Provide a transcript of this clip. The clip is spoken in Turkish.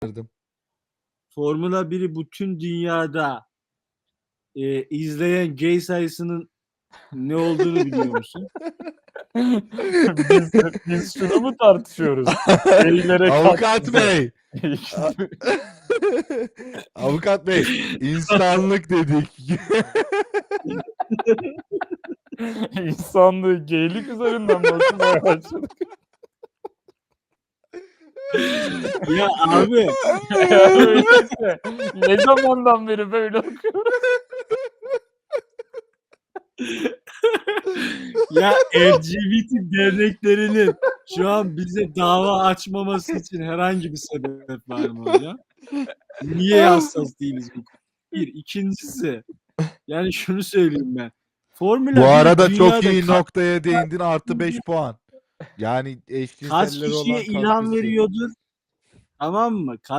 Formula 1'i bütün dünyada izleyen gay sayısının ne olduğunu biliyor musun? biz şunu mu tartışıyoruz? Avukat Bey. Avukat Bey, insanlık dedik. İnsanlığı geylik üzerinden bakmaya başladık. Ya abi. Öyleyse ne zamandan beri böyle okuyoruz? Ya LGBT derneklerinin şu an bize dava açmaması için herhangi bir sebep var mı hocam? Niye hassas değiliz bu konuda? Bir. İkincisi, yani şunu söyleyeyim ben. Formula Bu 1 arada çok dünyada iyi noktaya değindin, artı 5 puan. Yani kaç eşcinseller olan kişiye ilham veriyordur? Tamam mı?